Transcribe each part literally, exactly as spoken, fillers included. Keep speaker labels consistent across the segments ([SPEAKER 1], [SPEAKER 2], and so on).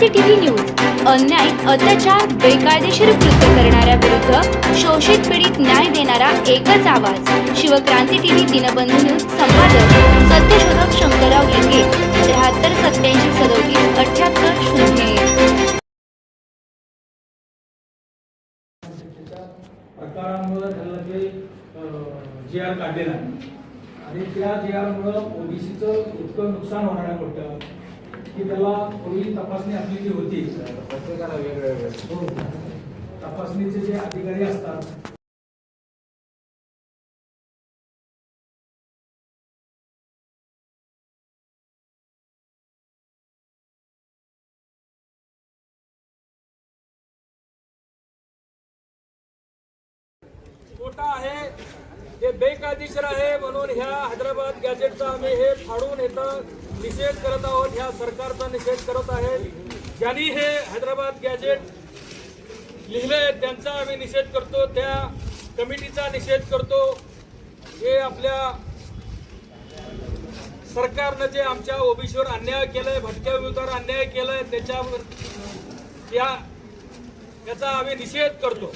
[SPEAKER 1] क्रांती TV news अन्याय, अत्याचार, बेकायदेशीर कृत्य करणाऱ्या विरुद्ध शोषित पीडित न्याय देणारा एकच आवाज. Shivkranti TV Dinbandhu news. संपादक सत्यशोधक शंकरराव लिंगे. त्र्याहत्तर सत्याऐंशी सदोतीस अठ्याहत्तर शून्य.
[SPEAKER 2] प्रकारांमुळे झालं ते जे आर काढलेला आणि त्या जे आरमुळं ओबीसीचं इतकं नुकसान होणार आहे मोठं की त्याला पूर्वी तपासणी आपली जी होती प्रत्येकाला वेगवेगळ्या तपासणीचे जे अधिकारी असतात
[SPEAKER 3] खोटा आहे, हे बेकायदेशीर आहे म्हणून ह्या हैदराबाद गॅजेटचा आम्ही हे फाडून इथं निषेध करत आहोत. ह्या सरकारचा निषेध करत आहे. ज्यांनी हे हैदराबाद गॅजेट लिहिलंय त्यांचा आम्ही निषेध करतो, त्या कमिटीचा निषेध करतो. हे आपल्या सरकारनं जे आमच्या ओबीसीवर अन्याय केलाय, भटक्या विरोधावर अन्याय केलाय, त्याच्यावर त्या याचा आम्ही निषेध करतो.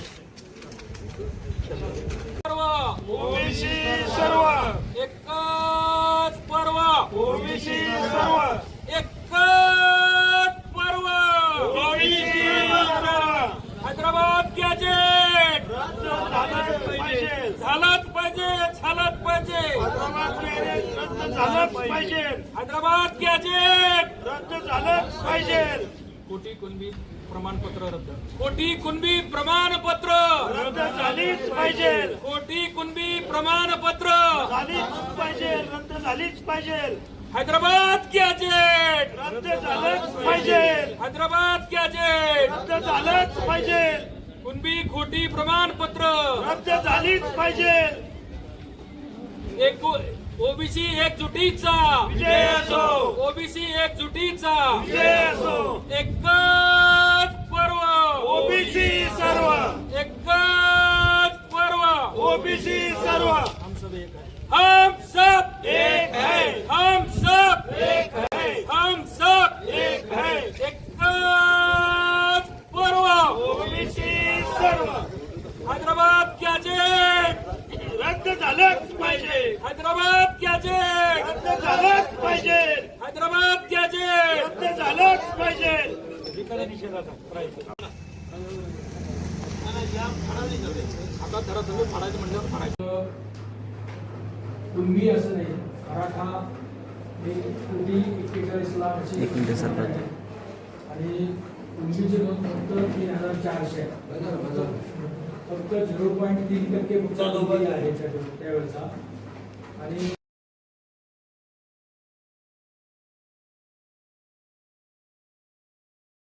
[SPEAKER 3] सर्व
[SPEAKER 4] ओबीसी सर्व
[SPEAKER 3] एकच पर्व,
[SPEAKER 4] ओबीसी सर्व
[SPEAKER 3] एकच पर्व,
[SPEAKER 4] ओबीसी सर्व
[SPEAKER 3] हैदराबाद गॅजेट
[SPEAKER 4] रद्द झालंच पाहिजे,
[SPEAKER 3] झालंच पाहिजे, झालंच पाहिजे.
[SPEAKER 4] हैदराबाद गॅजेट रद्द झालंच पाहिजे,
[SPEAKER 3] हैदराबाद गॅजेट
[SPEAKER 4] रद्द झालंच पाहिजे.
[SPEAKER 3] कोटी कुणबी प्रमाणपत्र रद्द, कोटी कुणबी प्रमाणपत्र
[SPEAKER 4] रद्द झालीच पाहिजे,
[SPEAKER 3] कोटी कुणबी प्रमाणपत्र
[SPEAKER 4] झालीच पाहिजे, रद्द झालीच पाहिजे,
[SPEAKER 3] हैदराबाद गॅजेट
[SPEAKER 4] रद्द झालंच पाहिजे,
[SPEAKER 3] हैदराबाद गॅजेट
[SPEAKER 4] रद्द झालंच पाहिजे,
[SPEAKER 3] कुणबी खोटी प्रमाणपत्र
[SPEAKER 4] रद्द झालीच पाहिजे.
[SPEAKER 3] एक ओबीसी एकजुटीचा
[SPEAKER 4] विजय असो,
[SPEAKER 3] ओबीसी एकजुटीचा
[SPEAKER 4] विजय असो.
[SPEAKER 3] एकच पर्व,
[SPEAKER 4] ओबीसी सर्व
[SPEAKER 3] एकच पर्व,
[SPEAKER 4] ओबीसी सर्व
[SPEAKER 3] हम सब एक है, हम सब
[SPEAKER 4] एक है,
[SPEAKER 3] हम सब
[SPEAKER 4] एक है,
[SPEAKER 3] हम सब
[SPEAKER 4] एक है.
[SPEAKER 3] एकच पर्व,
[SPEAKER 4] ओबीसी सर्व
[SPEAKER 3] हैदराबाद गॅजेट
[SPEAKER 4] रद्द झालंच पाहिजे,
[SPEAKER 3] हैदराबाद गॅजेट
[SPEAKER 4] रद्द झालंच पाहिजे,
[SPEAKER 3] हैदराबाद गॅजेट
[SPEAKER 4] रद्द झालंच पाहिजे.
[SPEAKER 3] आता धरा तुम्ही फाडायचं म्हणल्यावर फाडायचं.
[SPEAKER 2] कुणबी असं नाही, मराठा हे कोटी एक्केचाळीस लाख अशी आणि कुणबीची नोंद फक्त तीन हजार चारशे फक्त झिरो पॉईंट तीन टक्के मुद्दा आहे त्यावेळेचा. आणि